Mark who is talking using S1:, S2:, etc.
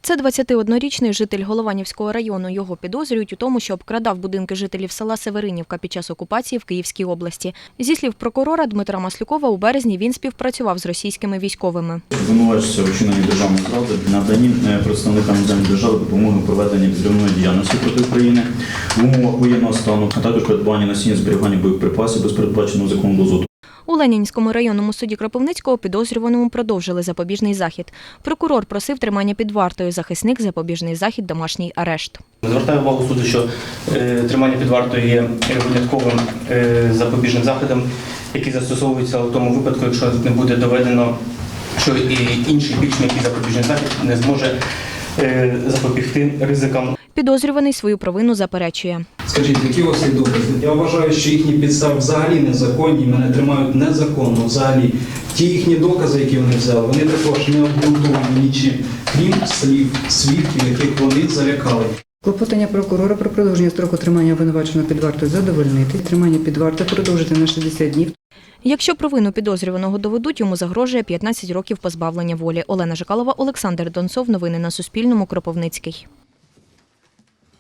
S1: Це 21-річний житель Голованівського району. Його підозрюють у тому, що обкрадав будинки жителів села Северинівка під час окупації в Київській області. Зі слів прокурора Дмитра Маслюкова, у березні він співпрацював з російськими військовими.
S2: Звинувачується у вчиненні державної зради, наданні представникам іноземної держави допомоги у проведенні підривної діяльності проти України в умовах воєнного стану, а також придбання, носіння, зберігання боєприпасів без передбаченого законом дозволу.
S1: У Ленінському районному суді Кропивницького підозрюваному продовжили запобіжний захід. Прокурор просив тримання під вартою, захисник – запобіжний захід, домашній арешт.
S3: Звертаю увагу суду, що тримання під вартою є винятковим запобіжним заходом, який застосовується у тому випадку, якщо не буде доведено, що і інший більш м'який запобіжний захід не зможе запобігти ризикам.
S1: Підозрюваний свою провину заперечує.
S4: Скажіть, які у вас є докази? Я вважаю, що їхні підстави взагалі незаконні, мене тримають незаконно взагалі. Ті їхні докази, які вони взяли, вони також не обґрунтовані нічим, крім слів свідків, яких вони залякали.
S5: Клопотання прокурора про продовження строку тримання обвинуваченого під вартою задовольнити, тримання під вартою продовжити на 60 днів.
S1: Якщо провину підозрюваного доведуть, йому загрожує 15 років позбавлення волі. Олена Жикалова, Олександр Донцов. Новини на Суспільному. Кропивницький.